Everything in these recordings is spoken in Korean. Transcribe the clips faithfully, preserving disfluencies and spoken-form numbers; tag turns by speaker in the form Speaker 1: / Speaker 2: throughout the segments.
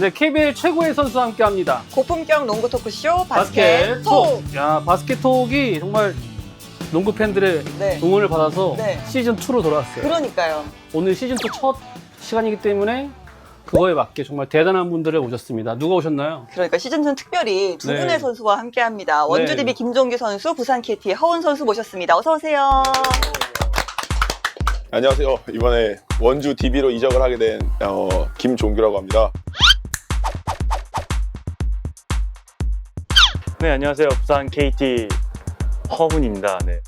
Speaker 1: 네, 케이비엘 최고의 선수와 함께합니다.
Speaker 2: 고품격 농구 토크쇼 바스켓, 바스켓 톡.
Speaker 1: 야, 바스켓 톡이 정말 농구 팬들의
Speaker 2: 네.
Speaker 1: 응원을 받아서
Speaker 2: 네.
Speaker 1: 시즌 투로 돌아왔어요.
Speaker 2: 그러니까요.
Speaker 1: 오늘 시즌 투 첫 시간이기 때문에 그거에 맞게 정말 대단한 분들을 오셨습니다. 누가 오셨나요?
Speaker 2: 그러니까 시즌2는 특별히 두
Speaker 1: 네.
Speaker 2: 분의 선수와 함께합니다. 원주
Speaker 1: 네.
Speaker 2: 디비 김종규 선수, 부산 케이티의 허운 선수 모셨습니다. 어서 오세요.
Speaker 3: 안녕하세요. 이번에 원주 디비로 이적을 하게 된 어, 김종규라고 합니다.
Speaker 4: 네, 안녕하세요. 부산 케이티 허훈입니다. 네.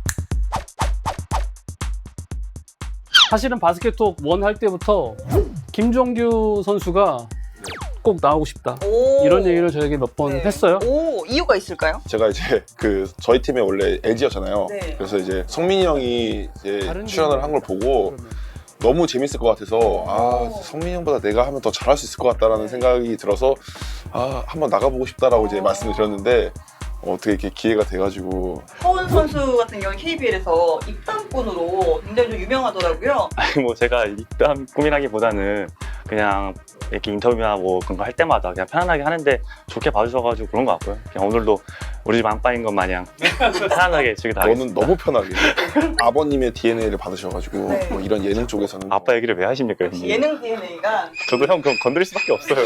Speaker 1: 사실은 바스켓톡 원 할 때부터 김종규 선수가 꼭 나오고 싶다.
Speaker 2: 오.
Speaker 1: 이런 얘기를 저에게 몇 번
Speaker 2: 네.
Speaker 1: 했어요.
Speaker 2: 오, 이유가 있을까요?
Speaker 3: 제가 이제 그 저희 팀에 원래 에지였잖아요.
Speaker 2: 네.
Speaker 3: 그래서 이제 성민이 형이 이제
Speaker 1: 다른
Speaker 3: 출연을 한 걸 보고
Speaker 1: 그러면.
Speaker 3: 너무 재밌을 것 같아서 아 성민이 형보다 내가 하면 더 잘할 수 있을 것 같다라는 생각이 들어서 아 한번 나가보고 싶다라고 이제 말씀을 드렸는데 어, 어떻게 이렇게 기회가 돼가지고
Speaker 2: 허운 선수 같은 경우는 케이비엘에서 입단권으로 굉장히 좀 유명하더라고요.
Speaker 4: 아니, 뭐 제가 입담 꾸미라기보다는 그냥 이렇게 인터뷰나 뭐 그런 거 할 때마다 그냥 편안하게 하는데 좋게 봐주셔가지고 그런 것 같고요. 그냥 오늘도 우리 집 안방인 것 마냥 편안하게 즐겨
Speaker 3: 너는
Speaker 4: 나가겠습니다.
Speaker 3: 너무 편하게 아버님의 디엔에이를 받으셔가지고
Speaker 2: 네.
Speaker 3: 뭐 이런 예능 쪽에서는
Speaker 4: 아빠 얘기를 왜 하십니까, 형님?
Speaker 2: 예능 디엔에이가
Speaker 4: 저도 형 그럼 건드릴 수밖에 없어요.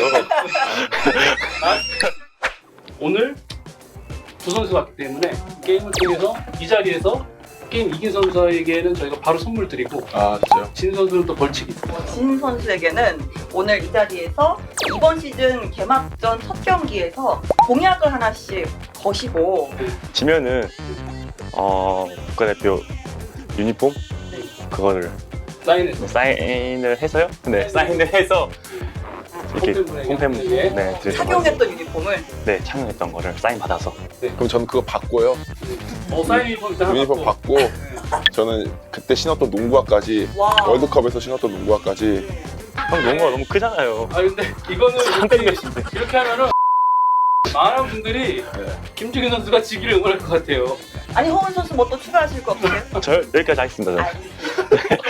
Speaker 1: 오늘 두 선수가 왔기 때문에 게임을 통해서 이 자리에서 게임 이긴 선수에게는 저희가 바로 선물 드리고
Speaker 3: 아 진짜요?
Speaker 1: 진 선수는 또 벌칙이 있어요.
Speaker 2: 진 선수에게는 오늘 이 자리에서 이번 시즌 개막전 첫 경기에서 공약을 하나씩 거시고
Speaker 4: 지면은 어 국가대표 유니폼 그거를
Speaker 1: 사인해서
Speaker 4: 사인을 해서요. 네, 사인을 해서 이렇게
Speaker 1: 홈팬분에게.
Speaker 4: 홈팬
Speaker 1: 네.
Speaker 4: 네 드릴 거
Speaker 2: 착용했던 유니폼을
Speaker 4: 네 착용했던 거를 사인 받아서
Speaker 3: 그럼 저는 그거 받고요.
Speaker 1: 어, 사인 유니폼 일단 하나
Speaker 3: 유니폼
Speaker 1: 받고.
Speaker 3: 받고 저는 그때 신었던 농구화까지
Speaker 2: 와.
Speaker 3: 월드컵에서 신었던 농구화까지
Speaker 4: 형 농구가 너무 크잖아요.
Speaker 1: 아 근데 이거는 이렇게, 이렇게 하면은 많은 분들이
Speaker 3: 네.
Speaker 1: 김종규 선수가 지기를 응원할 것 같아요.
Speaker 2: 아니 허운 선수 뭐 또 추가하실 거 없으세요?
Speaker 4: 저 여기까지 하겠습니다. 저.
Speaker 2: 알겠습니다.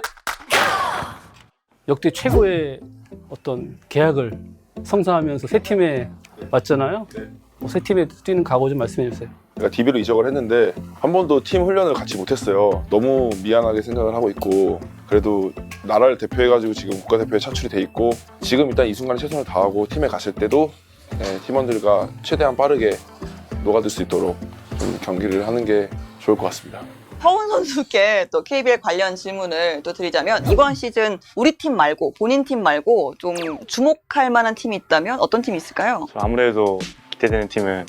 Speaker 1: 역대 최고의 어떤 계약을 성사하면서 새 팀에 왔잖아요. 어, 새 팀에 뛰는 각오 좀 말씀해 주세요.
Speaker 3: 제가 디비로 이적을 했는데 한 번도 팀 훈련을 같이 못했어요. 너무 미안하게 생각을 하고 있고 그래도 나라를 대표해가지고 지금 국가대표에 차출이 돼 있고 지금 일단 이 순간에 최선을 다하고 팀에 갔을 때도 네, 팀원들과 최대한 빠르게 녹아들 수 있도록 좀 경기를 하는 게 좋을 것 같습니다.
Speaker 2: 허운 선수께 또 케이비엘 관련 질문을 또 드리자면 이번 시즌 우리 팀 말고 본인 팀 말고 좀 주목할 만한 팀이 있다면 어떤 팀이 있을까요?
Speaker 4: 저 아무래도 기대되는 팀은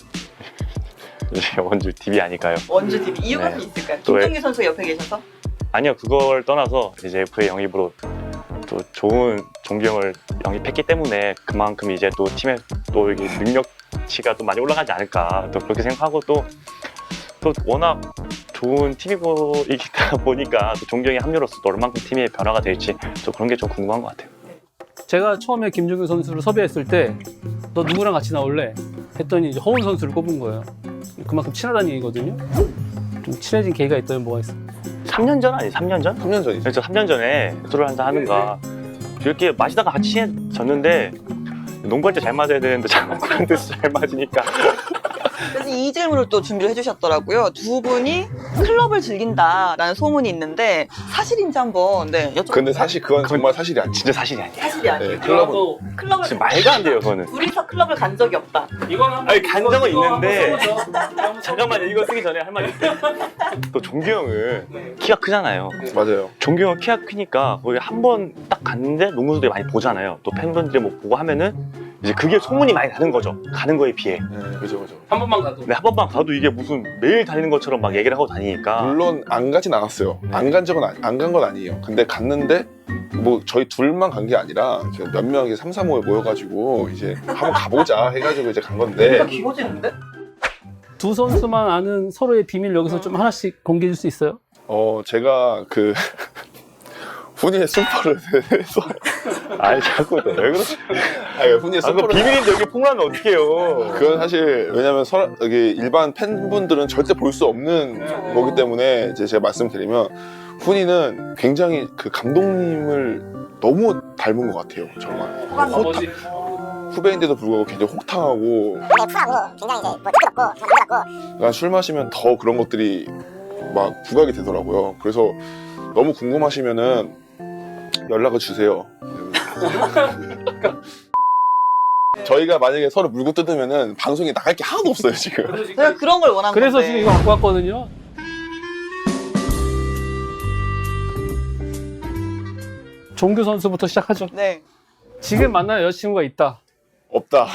Speaker 4: 이제 원주 디비 아닐까요?
Speaker 2: 원주 디비 이유가
Speaker 4: 네.
Speaker 2: 좀 있을까요?
Speaker 4: 또
Speaker 2: 김종규 선수 옆에 계셔서?
Speaker 4: 아니요, 그걸 떠나서 이제 에프에이 영입으로 또 좋은 종경을 영입했기 때문에 그만큼 이제 또 팀의 또 이게 능력치가 또 많이 올라가지 않을까 또 그렇게 생각하고 또 또 워낙 좋은 팀이기다 보니까 또 종경의 합류로서 또 얼만큼 팀의 변화가 될지 또 그런 게 좀 궁금한 것 같아요.
Speaker 1: 제가 처음에 김종규 선수를 섭외했을 때 너 누구랑 같이 나올래? 했더니 이제 허운 선수를 꼽은 거예요. 그만큼 친하다는 얘기거든요. 좀 친해진 계기가 있다면 뭐가 있어요?
Speaker 4: 삼 년 전 아니 삼 년 전?
Speaker 3: 삼 년 전이죠.
Speaker 4: 그래서 삼 년 전에 술을 한잔 하는가 이렇게 마시다가 같이 친해졌는데 농구할 때 잘 맞아야 되는데 장난꾸러기 잘 맞으니까
Speaker 2: 그래서 이 질문을 또 준비를 해주셨더라고요. 두 분이 클럽을 즐긴다라는 소문이 있는데 사실인지 한번 네, 여쭤볼까요?
Speaker 3: 근데 사실 그건 정말 사실이 아니죠.
Speaker 4: 진짜 사실이 아니에요.
Speaker 2: 사실이 아니에요.
Speaker 3: 네, 클럽은
Speaker 1: 또
Speaker 2: 클럽을
Speaker 4: 지금 말도 안 돼요, 그거는.
Speaker 2: 둘이서 클럽을 간 적이 없다.
Speaker 1: 이건 한번
Speaker 4: 아니, 간 적은
Speaker 1: 이거 한번
Speaker 4: 있는데.
Speaker 1: 써보죠.
Speaker 4: 잠깐만요, 이거 쓰기 전에 할 말이 있어요. 또 종규 형은 키가 크잖아요.
Speaker 3: 맞아요.
Speaker 4: 종규 형 키가 크니까 거기 한 번 딱 갔는데 농구선수들이 많이 보잖아요. 또 팬분들이 뭐 보고 하면은 이제 그게 소문이 많이 나는 거죠. 가는 거에 비해.
Speaker 3: 네, 그죠, 그죠.
Speaker 1: 한 번만 가도.
Speaker 4: 근데 한 번만 가도 이게 무슨 매일 다니는 것처럼 막 얘기를 하고 다니니까.
Speaker 3: 물론 안 가진 않았어요. 안 간 적은 안 간 건 아니에요. 근데 갔는데 뭐 저희 둘만 간 게 아니라 이렇게 몇 명이 삼, 사모에 모여가지고 이제 한번 가보자 해가지고 이제 간 건데
Speaker 2: 귀여워지는데?
Speaker 1: 두 선수만 아는 서로의 비밀 여기서 좀 하나씩 공개해 줄 수 있어요?
Speaker 3: 어 제가 그 훈이의 술퍼를 해서
Speaker 4: 아니, 자꾸 또 왜 그러지?
Speaker 3: 아니 훈이의
Speaker 4: 아, 그거
Speaker 3: 술퍼를
Speaker 4: 비밀인데 여기 폭로하면 어떡해요.
Speaker 3: 그건 사실 왜냐면 서, 여기 일반 팬분들은 절대 볼 수 없는 거기 때문에 이제 제가 말씀드리면 훈이는 굉장히 그 감독님을 너무 닮은 것 같아요 정말.
Speaker 1: 아버지.
Speaker 3: 후배인데도 불구하고 굉장히 혹탕하고
Speaker 5: 굉장히 쿨하고 굉장히 이제 뭐 뜨겁고 좀 뜨겁고
Speaker 3: 그러니까 술 마시면 더 그런 것들이 막 부각이 되더라고요. 그래서 너무 궁금하시면은 연락을 주세요. 저희가 만약에 서로 물고 뜯으면은 방송에 나갈 게 하나도 없어요 지금.
Speaker 2: 제가 그런 걸 원한
Speaker 1: 그래서
Speaker 2: 건데.
Speaker 1: 지금 이거 갖고 왔거든요. 종규 선수부터 시작하죠.
Speaker 2: 네.
Speaker 1: 지금 만나는 여자친구가 있다.
Speaker 3: 없다.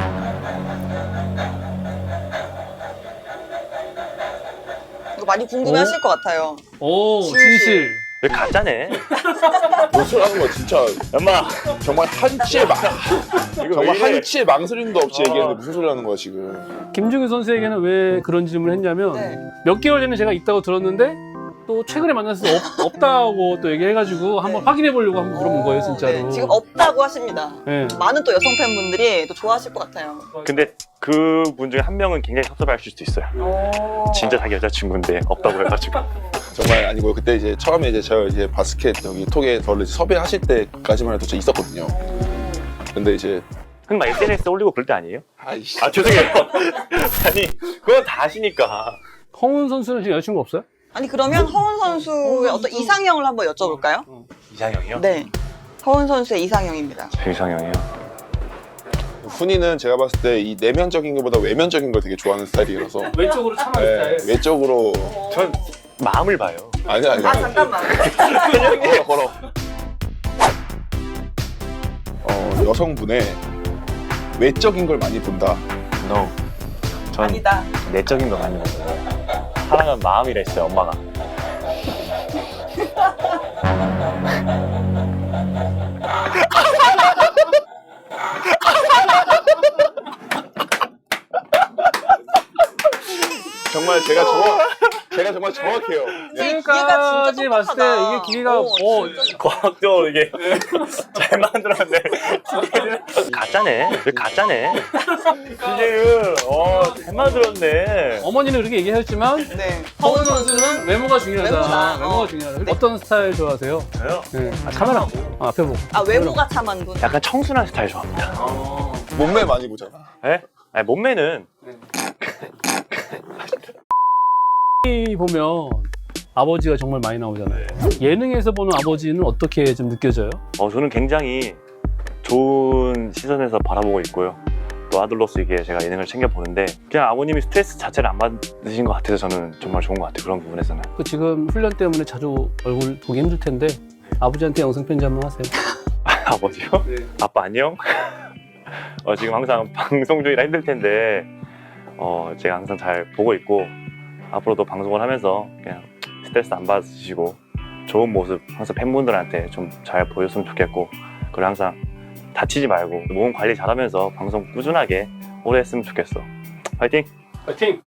Speaker 2: 이거 많이 궁금해하실 것 같아요.
Speaker 1: 오,
Speaker 2: 진실.
Speaker 1: 진실.
Speaker 4: 왜 가짜네?
Speaker 3: 노출하는 거 진짜
Speaker 4: 엄마
Speaker 3: 정말 한치의 망
Speaker 4: 이거
Speaker 3: 정말
Speaker 4: 왜 이래?
Speaker 3: 한치의 망설임도 없이
Speaker 4: 어.
Speaker 3: 얘기했는데 무슨 소리 하는 거야 지금.
Speaker 1: 김종규 선수에게는 왜 그런 질문을 했냐면
Speaker 2: 네.
Speaker 1: 몇 개월 전에 제가 있다고 들었는데 또 최근에 만나서 없, 없다고 또 얘기해가지고 한번
Speaker 2: 네.
Speaker 1: 확인해 보려고 한번 물어본 거예요,
Speaker 2: 어,
Speaker 1: 진짜로.
Speaker 2: 네, 지금 없다고 하십니다.
Speaker 1: 네.
Speaker 2: 많은 또 여성 팬분들이 또 좋아하실 것 같아요.
Speaker 4: 근데 그 분 중에 한 명은 굉장히 섭섭해하실 수도 있어요. 진짜 자기 여자친구인데 없다고 해가지고.
Speaker 3: 정말 아니고요. 그때 이제 처음에 이제 제가 이제 바스켓 여기 톡에 저를 이제 섭외하실 때까지만 해도 저 있었거든요. 근데 이제
Speaker 4: 그럼 막 에스엔에스에 올리고 그럴 때 아니에요?
Speaker 3: 아이씨.
Speaker 4: 아 죄송해요. 아니 그건 다 아시니까.
Speaker 1: 허훈 선수는 지금 여자친구 없어요?
Speaker 2: 아니 그러면 허훈 선수의 어떤 이상형을 한번 여쭤볼까요?
Speaker 4: 이상형이요?
Speaker 2: 네. 허훈 선수의 이상형입니다.
Speaker 4: 제 이상형이요?
Speaker 3: 훈이는 제가 봤을 때 이 내면적인 것보다 외면적인 걸 되게 좋아하는 스타일이라서
Speaker 1: 왼쪽으로 참아는
Speaker 3: 네, 외적으로
Speaker 4: 전 마음을 봐요.
Speaker 3: 아니 아니
Speaker 2: 아 잠깐만.
Speaker 3: 걸어 걸어. 어 여성분의 외적인 걸 많이 본다.
Speaker 4: No. 전
Speaker 2: 아니다.
Speaker 4: 내적인 거 많이 봐요. 사랑은 마음이라 했어요, 엄마가.
Speaker 3: 정말 제가 정확 제가 정말 정확해요. 네.
Speaker 2: 기계가 진짜
Speaker 1: 지금까지 봤을 때
Speaker 2: 똑똑하다.
Speaker 1: 이게 기계가
Speaker 2: 오,
Speaker 1: 어,
Speaker 2: 진짜
Speaker 4: 과학적으로 이게 잘 만들었네. 가짜네. 왜 가짜네? 이제는 어잘 만들었네.
Speaker 1: 어머니는 그렇게 얘기하셨지만
Speaker 2: 네.
Speaker 1: 허훈 선수는 외모가 중요하다.
Speaker 2: 외모다.
Speaker 1: 외모가
Speaker 2: 어.
Speaker 1: 중요하다.
Speaker 2: 네.
Speaker 1: 어떤 스타일 좋아하세요?
Speaker 4: 저요?
Speaker 1: 네. 아, 카메라 아, 앞에 보고.
Speaker 2: 아 외모가 참한 분.
Speaker 4: 약간 청순한 스타일 좋아합니다.
Speaker 3: 몸매 많이 보잖아.
Speaker 4: 예? 아니, 몸매는
Speaker 1: 이 보면 아버지가 정말 많이 나오잖아요. 예능에서 보는 아버지는 어떻게 좀 느껴져요?
Speaker 4: 어, 저는 굉장히 좋은 시선에서 바라보고 있고요. 또 아들로서 이게 제가 예능을 챙겨보는데 그냥 아버님이 스트레스 자체를 안 받으신 것 같아서 저는 정말 좋은 것 같아요. 그런 부분에서는.
Speaker 1: 그 지금 훈련 때문에 자주 얼굴 보기 힘들 텐데 아버지한테 영상 편지 한번 하세요.
Speaker 4: 아버지요?
Speaker 1: 네.
Speaker 4: 아빠 안녕? 어, 지금 항상 방송 중이라 힘들 텐데 어, 제가 항상 잘 보고 있고 앞으로도 방송을 하면서 그냥 스트레스 안 받으시고 좋은 모습 항상 팬분들한테 좀 잘 보였으면 좋겠고 그리고 항상 다치지 말고 몸 관리 잘하면서 방송 꾸준하게 오래 했으면 좋겠어. 파이팅!
Speaker 1: 파이팅!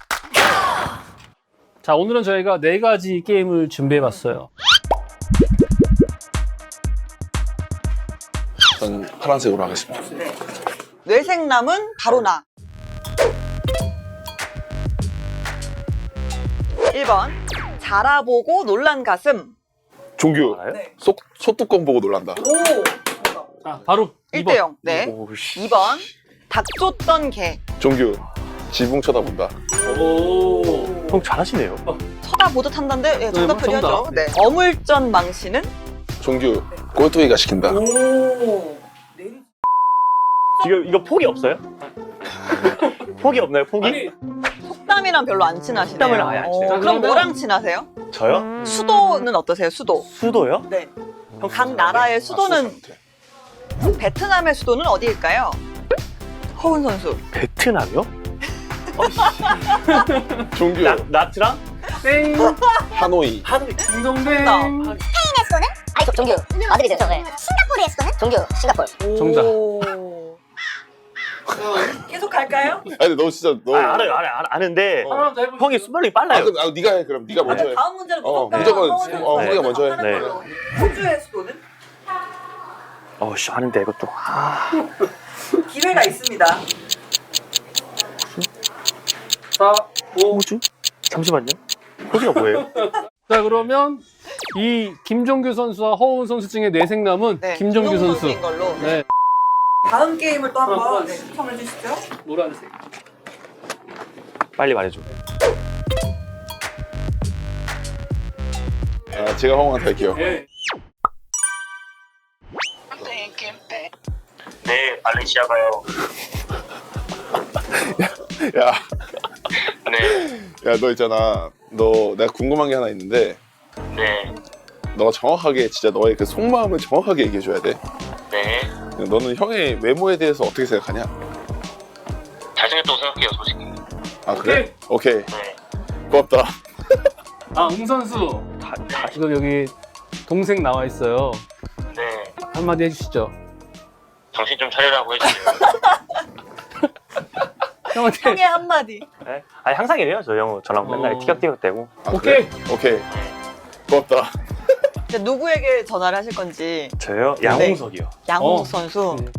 Speaker 1: 자, 오늘은 저희가 네 가지 게임을 준비해봤어요.
Speaker 3: 전 파란색으로 하겠습니다.
Speaker 2: 뇌생남은 바로 나. 일 번 자라보고 놀란 가슴.
Speaker 3: 종규
Speaker 4: 알아요?
Speaker 2: 네.
Speaker 3: 소, 소뚜껑 보고 놀란다.
Speaker 2: 오.
Speaker 1: 자, 바로
Speaker 2: 일
Speaker 1: 이 번.
Speaker 2: 대 영. 네.
Speaker 4: 오씨.
Speaker 2: 이 번 닭 쫓던 개.
Speaker 3: 종규 지붕 쳐다본다.
Speaker 1: 오.
Speaker 4: 형 잘하시네요.
Speaker 2: 쳐다보듯 한다는데 예, 정답
Speaker 1: 네,
Speaker 2: 표현하죠.
Speaker 1: 정답.
Speaker 2: 네. 어물전 망신은?
Speaker 3: 종규 꼴뚜기가 시킨다.
Speaker 2: 오.
Speaker 4: 이거 이거 폭이 없어요? 폭이 없나요? 폭이?
Speaker 1: 아니,
Speaker 2: 속담이랑 별로 안 친하시네요.
Speaker 4: 속담이랑 아예 안 친해요.
Speaker 2: 어, 그럼
Speaker 1: 그러면-
Speaker 2: 뭐랑 친하세요?
Speaker 4: 저요?
Speaker 2: 수도는 어떠세요? 수도.
Speaker 4: 수도요?
Speaker 2: 네. 각 나라의 수도는
Speaker 3: 아,
Speaker 2: 베트남의 수도는 어디일까요? 허훈 선수.
Speaker 4: 베트남이요?
Speaker 3: 종규
Speaker 4: 나, 나트랑?
Speaker 1: 땡!
Speaker 3: 하노이.
Speaker 4: 하노이.
Speaker 1: 딩동댕!
Speaker 5: 스페인의 수도는? 아니 저, 종규 맞으리죠 저. 네. 싱가포르의 수도는? 종규 싱가포르.
Speaker 1: 정답.
Speaker 2: 오. 계속 갈까요?
Speaker 3: 아니 근데 너 진짜 너.
Speaker 4: 아, 알아요, 알아요, 알아, 아는데
Speaker 3: 어.
Speaker 4: 형이 순발력이
Speaker 3: 아,
Speaker 4: 빨라요.
Speaker 3: 그럼 아, 네가 해 그럼 네가 먼저 해.
Speaker 2: 다음 문제는
Speaker 3: 어,
Speaker 2: 무조건
Speaker 3: 무조건
Speaker 2: 허훈 선수.
Speaker 3: 어,
Speaker 4: 네.
Speaker 3: 훈이가 먼저 해.
Speaker 4: 네.
Speaker 2: 호주의 수도는?
Speaker 4: 어, 씨, 아는데 이것도. 아.
Speaker 2: 기회가 있습니다.
Speaker 1: 사, 오.
Speaker 4: 호주? 잠시만요. 호주가 뭐예요?
Speaker 1: 자, 그러면 이 김종규 선수와 허훈 선수 중에 내생남은
Speaker 2: 네.
Speaker 1: 김종규
Speaker 2: 김종규
Speaker 1: 선수.
Speaker 2: 선수인 걸로.
Speaker 1: 네.
Speaker 2: 다음 게임을 또 한번
Speaker 1: 어,
Speaker 2: 네, 추천해 주시죠.
Speaker 1: 노란색.
Speaker 4: 빨리 말해줘.
Speaker 3: 아, 제가 허공한테 할게요.
Speaker 1: 예.
Speaker 6: 네, 발렌시아 가요.
Speaker 3: 야,
Speaker 6: 네,
Speaker 3: 야, 너 있잖아. 너 내가 궁금한 게 하나 있는데,
Speaker 6: 네,
Speaker 3: 너가 정확하게 진짜 너의 그 속마음을 정확하게 얘기해줘야 돼.
Speaker 6: 네.
Speaker 3: 너는 형의 외모에 대해서 어떻게 생각하냐?
Speaker 6: 잘생겼다고 생각해요, 솔직히.
Speaker 3: 아 그래? 오케이.
Speaker 6: 네.
Speaker 3: 고맙다.
Speaker 1: 아, 웅 선수.
Speaker 4: 다, 다
Speaker 1: 지금 여기 동생 나와 있어요.
Speaker 6: 네.
Speaker 1: 한마디 해주시죠.
Speaker 6: 정신 좀 차리라고 해주세요.
Speaker 1: 형한테.
Speaker 2: 형의 한마디.
Speaker 4: 네? 아니 항상 이래요. 저 형 저랑 맨날
Speaker 1: 어.
Speaker 4: 티격태격대고.
Speaker 3: 아,
Speaker 1: 오케이.
Speaker 3: 그래? 오케이. 고맙다.
Speaker 2: 이제 누구에게 전화를 하실 건지.
Speaker 4: 저요? 양홍석이요.
Speaker 2: 양홍
Speaker 1: 어.
Speaker 2: 선수.
Speaker 1: 네.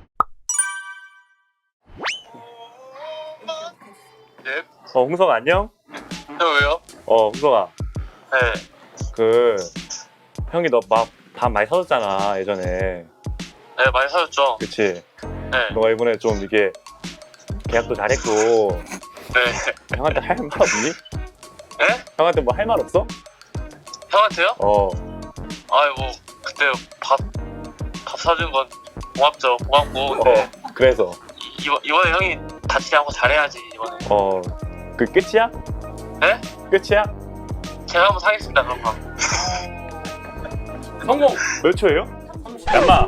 Speaker 4: 어 홍석 안녕?
Speaker 6: 저 왜요?
Speaker 4: 어 홍석아.
Speaker 6: 네.
Speaker 4: 그 형이 너 밥 밥 많이 사줬잖아 예전에.
Speaker 6: 네, 많이 사줬죠.
Speaker 4: 그치?
Speaker 6: 네.
Speaker 4: 너가 이번에 좀 이게 계약도 잘했고
Speaker 6: 네.
Speaker 4: 형한테 할 말 없니?
Speaker 6: 네?
Speaker 4: 형한테 뭐 할 말 없어?
Speaker 6: 형한테요?
Speaker 4: 어.
Speaker 6: 아이, 뭐, 그때 밥, 밥 사준 건 고맙죠. 고맙고.
Speaker 4: 어. 그래서
Speaker 6: 이, 이번, 이번에 형이 다치지 않고 잘해야지, 이번에.
Speaker 4: 어. 그 끝이야?
Speaker 6: 네?
Speaker 4: 끝이야?
Speaker 6: 제가 한번 사겠습니다, 그런 거.
Speaker 1: 성공.
Speaker 4: 몇 초예요? 엄마.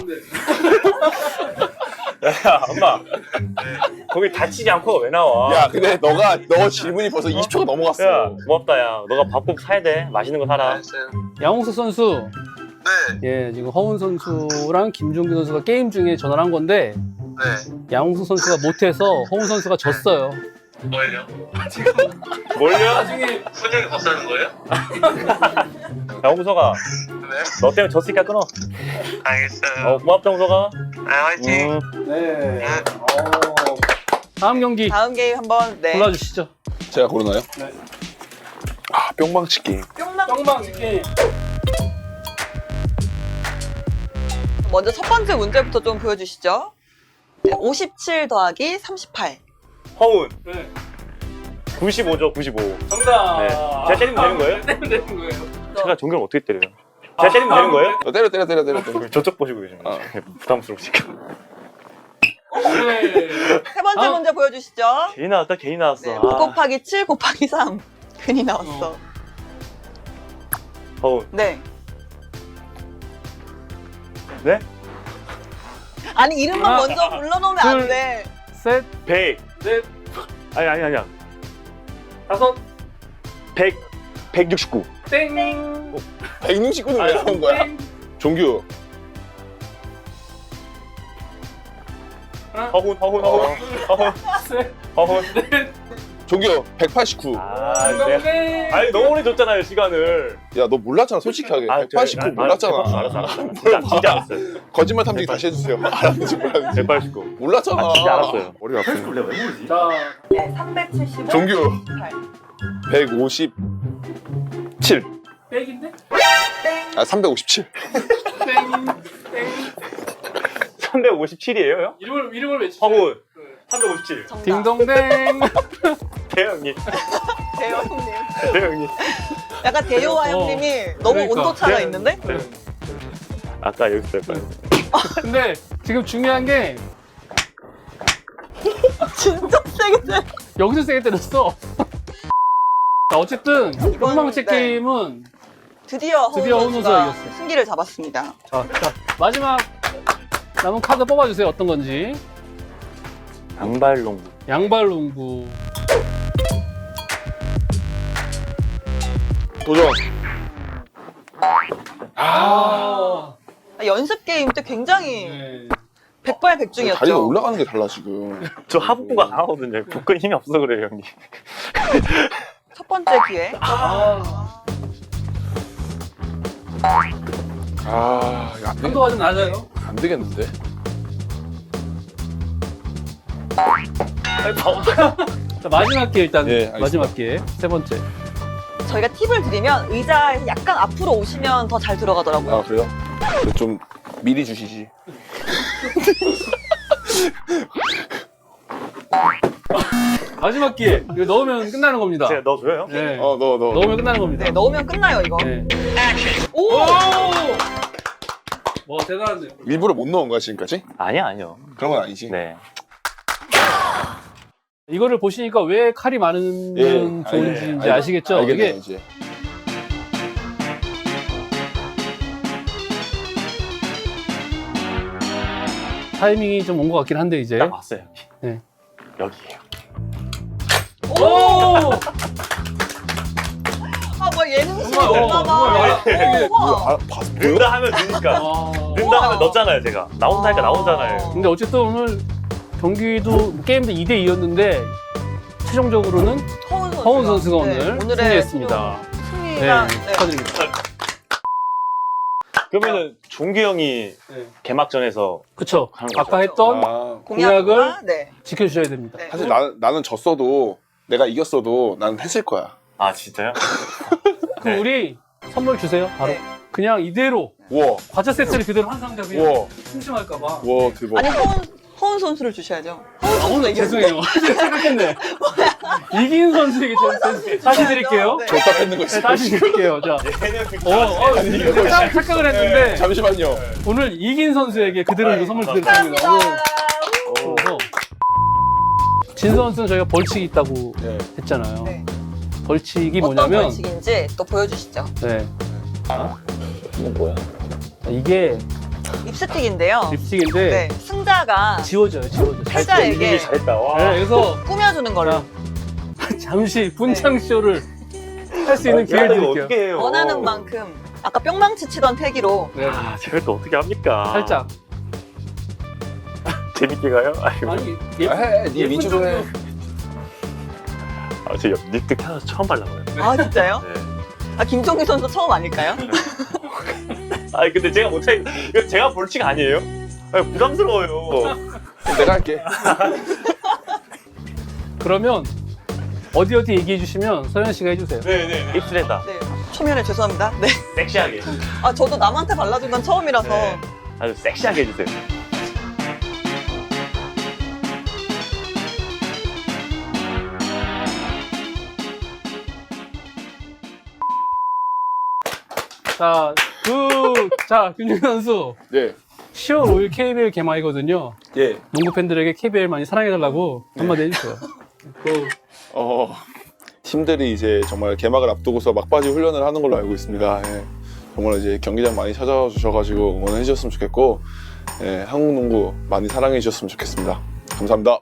Speaker 4: 야, 엄마. 거기 다치지 않고 왜 나와?
Speaker 3: 야, 근데 너가 너 질문이 벌써 이십 초가 넘어갔어.
Speaker 4: 야, 고맙다, 야. 너가 밥 꼭 사야 돼. 맛있는 거 사라.
Speaker 6: 알았어요.
Speaker 1: 양홍석 선수.
Speaker 6: 네,
Speaker 1: 예, 지금 허운 선수랑 김종규 선수가 게임 중에 전화를 한 건데
Speaker 6: 네.
Speaker 1: 양홍석 선수가 못해서 허운 선수가 졌어요.
Speaker 6: 뭘요?
Speaker 4: 뭘요?
Speaker 1: 나중에
Speaker 6: 훈영이 밥 사는 거예요?
Speaker 4: 야, 홍석아.
Speaker 6: 네.
Speaker 4: 너 때문에 졌으니까 끊어.
Speaker 6: 알겠어요.
Speaker 4: 어, 고맙다, 홍석아.
Speaker 6: 네, 화이팅.
Speaker 4: 음.
Speaker 1: 네. 어. 다음 경기
Speaker 2: 다음 게임 한번 네.
Speaker 1: 골라주시죠.
Speaker 3: 제가 고르나요?
Speaker 1: 네.
Speaker 3: 아, 뿅망치 게임.
Speaker 2: 뿅망.
Speaker 1: 뿅망 게임.
Speaker 2: 먼저 첫 번째 문제부터 좀 보여주시죠. 네, 오십칠 더하기 삼십팔.
Speaker 4: 허운.
Speaker 1: 네.
Speaker 4: 구십오죠, 구십오.
Speaker 1: 정답.
Speaker 4: 네. 제가 때리면 되는 거예요?
Speaker 1: 때리면 되는 거예요.
Speaker 4: 제가 종교를 어떻게 때려요? 제가 때리면 되는 거예요?
Speaker 3: 너 때려, 때려, 때려, 때려. 때려.
Speaker 4: 저쪽 보시고 계시네.
Speaker 3: 어.
Speaker 4: 부담스러우시니까.
Speaker 1: 네.
Speaker 2: 세 번째
Speaker 1: 아.
Speaker 2: 문제 보여주시죠.
Speaker 4: 괜히 나왔다, 괜히 나왔어.
Speaker 2: 네,
Speaker 4: 아.
Speaker 2: 오 곱하기 칠 곱하기 삼. 괜히 나왔어.
Speaker 1: 어.
Speaker 4: 허운.
Speaker 2: 네.
Speaker 4: 네?
Speaker 2: 아니 이름만
Speaker 1: 하나,
Speaker 2: 먼저 불러놓으면 안
Speaker 1: 둘.
Speaker 2: 돼.
Speaker 1: 셋,
Speaker 4: 백.
Speaker 1: 넷,
Speaker 4: 아니, 아니, 아니야.
Speaker 1: 다섯,
Speaker 4: 백. 백육십구.
Speaker 1: 땡.
Speaker 3: 백육십구는 왜 나온 거야?
Speaker 1: 땡.
Speaker 3: 종규.
Speaker 1: 하나,
Speaker 4: 허운, 허운, 허운. 허운.
Speaker 1: 셋,
Speaker 4: 허운.
Speaker 1: 넷.
Speaker 3: 종규, 백팔십구.
Speaker 4: 아, 네.
Speaker 1: 땡.
Speaker 4: 아니, 너무 오래 줬잖아요, 시간을.
Speaker 3: 야, 너 몰랐잖아, 솔직하게.
Speaker 4: 아,
Speaker 3: 백팔십구
Speaker 4: 저- 아,
Speaker 3: 몰랐잖아.
Speaker 4: 알았어, 알았어, 알았어. 진짜, 진짜 알았어요.
Speaker 3: 거짓말 탐지기 다시 해주세요. 알았는지 몰랐는지.
Speaker 4: 백팔십구.
Speaker 3: 몰랐잖아.
Speaker 4: 아, 진짜 알았어요.
Speaker 3: 머리 아프네.
Speaker 1: 자,
Speaker 2: 네, 삼백칠십오.
Speaker 3: 종규.
Speaker 2: 팔.
Speaker 3: 백오십칠.
Speaker 1: 백인데?
Speaker 3: 아, 삼백오십칠.
Speaker 1: 땡. 땡.
Speaker 4: 삼백오십칠이에요, 형?
Speaker 1: 이름을 이름을 외치죠.
Speaker 4: 허운. 삼백오십칠.
Speaker 2: 정답.
Speaker 1: 딩동댕.
Speaker 4: 대형님.
Speaker 2: 대호 형님.
Speaker 4: 대형님.
Speaker 2: 약간 대호와
Speaker 1: 어.
Speaker 2: 형님이 너무
Speaker 1: 그러니까.
Speaker 2: 온도 차가
Speaker 4: 네.
Speaker 2: 있는데?
Speaker 4: 아까 여기서 뺄 거예요.
Speaker 1: 근데 지금 중요한 게
Speaker 2: 진짜 세게 때.
Speaker 1: 여기서 세게 때렸어. 자, 어쨌든 뿅망치
Speaker 2: 네.
Speaker 1: 게임은
Speaker 2: 드디어
Speaker 1: 드디어
Speaker 2: 허운
Speaker 1: 허운
Speaker 2: 선수가
Speaker 1: 선수가 이겼어요.
Speaker 2: 승기를 잡았습니다.
Speaker 1: 자, 자 마지막 남은 카드 뽑아주세요. 어떤 건지.
Speaker 4: 양발농구.
Speaker 1: 양발농구.
Speaker 3: 도전.
Speaker 1: 아.
Speaker 2: 연습 게임 때 굉장히
Speaker 1: 네.
Speaker 2: 백발백중이었죠.
Speaker 3: 다리가 올라가는 게 달라, 지금.
Speaker 4: 저 하복부가 강하거든요. 복근 힘이 없어서 그래요, 형님.
Speaker 2: 첫 번째 기회.
Speaker 1: 아.
Speaker 3: 아, 이거 안, 되겠,
Speaker 1: 강도가 좀 낮아요.
Speaker 3: 안 되겠는데?
Speaker 1: 자, 마지막 기회 일단.
Speaker 3: 예, 알겠습니다.
Speaker 1: 마지막 기회. 세 번째.
Speaker 2: 저희가 팁을 드리면 의자에서 약간 앞으로 오시면 더 잘 들어가더라고요.
Speaker 3: 아, 그래요? 좀 미리 주시지.
Speaker 1: 마지막 기회. 이거 넣으면 끝나는 겁니다.
Speaker 4: 제가 넣어줘요?
Speaker 1: 네.
Speaker 3: 어, 너, 너.
Speaker 1: 넣으면 끝나는 겁니다.
Speaker 2: 네, 넣으면 끝나요, 이거.
Speaker 1: 네.
Speaker 2: 오!
Speaker 1: 오! 와, 대단한데.
Speaker 3: 일부러 못 넣은 거야, 지금까지?
Speaker 4: 아니야, 아니요.
Speaker 3: 그런 건 아니지.
Speaker 4: 네.
Speaker 1: 이거를 보시니까 왜 칼이 많으면
Speaker 3: 예,
Speaker 1: 좋은지
Speaker 3: 알-
Speaker 1: 이제
Speaker 3: 알-
Speaker 1: 아시겠죠?
Speaker 3: 알겠네요,
Speaker 1: 이게
Speaker 3: 이제.
Speaker 1: 타이밍이 좀 온 것 같긴 한데 이제.
Speaker 4: 딱 왔어요, 여기.
Speaker 1: 네.
Speaker 4: 여기에요.
Speaker 1: 오!
Speaker 2: 아, 뭐 예능식이
Speaker 1: 정말, 어,
Speaker 2: 됐나
Speaker 1: 정말
Speaker 2: 봐.
Speaker 1: 이게
Speaker 2: 우와.
Speaker 3: 아, 봤, 보여?
Speaker 4: 넣는다 하면 넣으니까.
Speaker 1: 아.
Speaker 4: 넣는다 하면 넣었잖아요, 제가. 나온다니까 나오잖아요.
Speaker 1: 근데 어쨌든 오늘 경기도 게임도 이 대 이였는데 최종적으로는
Speaker 2: 허운 선수가,
Speaker 1: 허운 선수가
Speaker 2: 네,
Speaker 1: 오늘
Speaker 2: 오늘의
Speaker 1: 승리했습니다.
Speaker 2: 승리가
Speaker 1: 네,
Speaker 2: 네.
Speaker 1: 축하드립니다.
Speaker 4: 그러면은 종규 형이
Speaker 1: 네.
Speaker 4: 개막전에서
Speaker 1: 그쵸.
Speaker 4: 하는 거죠.
Speaker 1: 아까 했던
Speaker 3: 아,
Speaker 2: 공약과 네.
Speaker 1: 지켜주셔야 됩니다.
Speaker 2: 네.
Speaker 3: 사실 나, 나는 졌어도 내가 이겼어도 나는 했을 거야.
Speaker 4: 아 진짜요?
Speaker 1: 그럼
Speaker 4: 네.
Speaker 1: 우리 선물 주세요. 바로.
Speaker 2: 네.
Speaker 1: 그냥 이대로
Speaker 3: 우와,
Speaker 1: 과자 세트를 그대로 한 상자 그냥
Speaker 3: 우와,
Speaker 1: 심심할까봐.
Speaker 3: 우와, 대박.
Speaker 2: 아니 허운 허운 선수를 주셔야죠. 허운
Speaker 1: 아,
Speaker 2: 선수
Speaker 1: 오늘 죄송해요. 생각했네. 이긴 선수에게 좀 다시 드릴게요.
Speaker 2: 네.
Speaker 3: 줬다 뺏는 거
Speaker 1: 네,
Speaker 3: 있어.
Speaker 1: 다시 드릴게요. 자, 어, 어,
Speaker 3: 이거
Speaker 1: 착- 착각을 했는데
Speaker 3: 잠시만요.
Speaker 1: 오늘 이긴 선수에게 그대로 이거 선물 드리겠습니다.
Speaker 2: 감사합니다.
Speaker 1: 그래서 진 선수는 저희가 벌칙이 있다고
Speaker 3: 네.
Speaker 1: 했잖아요.
Speaker 2: 네.
Speaker 1: 벌칙이
Speaker 2: 어떤
Speaker 1: 뭐냐면
Speaker 2: 벌칙인지 또 보여주시죠.
Speaker 1: 네.
Speaker 4: 이거 뭐야?
Speaker 1: 이게
Speaker 2: 립스틱인데요.
Speaker 1: 립스틱인데
Speaker 2: 네, 승자가
Speaker 1: 지워져요, 지워져. 잘
Speaker 2: 패자에게
Speaker 1: 지워지기.
Speaker 4: 잘했다. 와.
Speaker 1: 네, 그래서
Speaker 2: 꾸며주는 걸로
Speaker 1: 자, 잠시 분창 쇼를 할 수 있는 기회를
Speaker 4: 이거
Speaker 1: 드릴게요.
Speaker 4: 어떻게 해요?
Speaker 2: 원하는 만큼 아까 뿅망치 치던 태기로
Speaker 1: 네.
Speaker 4: 아, 제가 또 어떻게 합니까?
Speaker 1: 살짝.
Speaker 4: 재밌게 가요? 아이고.
Speaker 1: 아니,
Speaker 3: 아,
Speaker 1: 예,
Speaker 3: 해, 네
Speaker 1: 예쁜
Speaker 3: 위주로 해.
Speaker 1: 정도.
Speaker 4: 아, 저 립스틱 하나 처음 발라봐요.
Speaker 2: 아 진짜요?
Speaker 4: 네.
Speaker 2: 아 김종규 선수 처음 아닐까요?
Speaker 4: 아니 근데 제가 못해. 이거 제가 벌칙 아니에요? 아니, 부담스러워요.
Speaker 3: 그럼 내가 할게.
Speaker 1: 그러면 어디 어디 얘기해 주시면 서현 씨가 해주세요.
Speaker 4: 네네. 입술에다
Speaker 2: 네. 초면에 죄송합니다. 네.
Speaker 4: 섹시하게.
Speaker 2: 아 저도 남한테 발라준 건 처음이라서.
Speaker 4: 네. 아주 섹시하게 해주세요.
Speaker 1: 자, 그, 자, 김준현 선수.
Speaker 3: 네.
Speaker 1: 시월 오일 케이비엘 개막이거든요.
Speaker 3: 예.
Speaker 1: 농구 팬들에게 케이비엘 많이 사랑해달라고 한마디 해주세요. 그,
Speaker 3: 어, 팀들이 이제 정말 개막을 앞두고서 막바지 훈련을 하는 걸로 알고 있습니다. 예. 정말 이제 경기장 많이 찾아와 주셔가지고 응원해 주셨으면 좋겠고, 예, 한국 농구 많이 사랑해 주셨으면 좋겠습니다. 감사합니다.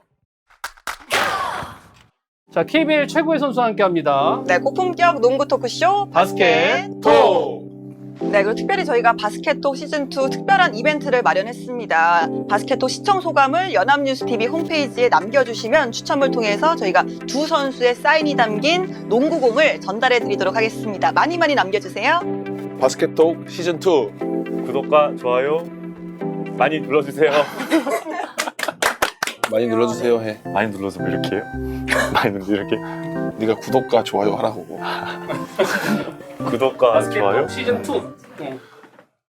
Speaker 1: 자, 케이비엘 최고의 선수와 함께 합니다.
Speaker 2: 네, 고품격 농구 토크쇼
Speaker 1: 바스켓
Speaker 2: 바스켓
Speaker 3: 톡!
Speaker 2: 네, 그리고 특별히 저희가 바스켓톡 시즌이 특별한 이벤트를 마련했습니다. 바스켓톡 시청 소감을 연합뉴스티비 홈페이지에 남겨주시면 추첨을 통해서 저희가 두 선수의 사인이 담긴 농구공을 전달해 드리도록 하겠습니다. 많이 많이 남겨주세요.
Speaker 3: 바스켓톡 시즌 투.
Speaker 4: 구독과 좋아요 많이 눌러주세요.
Speaker 3: 많이 눌러주세요 해.
Speaker 4: 많이 눌러서 뭐 이렇게 해요? 많이 눌러 이렇게.
Speaker 3: 네가 구독과 좋아요 하라고.
Speaker 4: 구독과 좋아요.
Speaker 1: 시즌 투.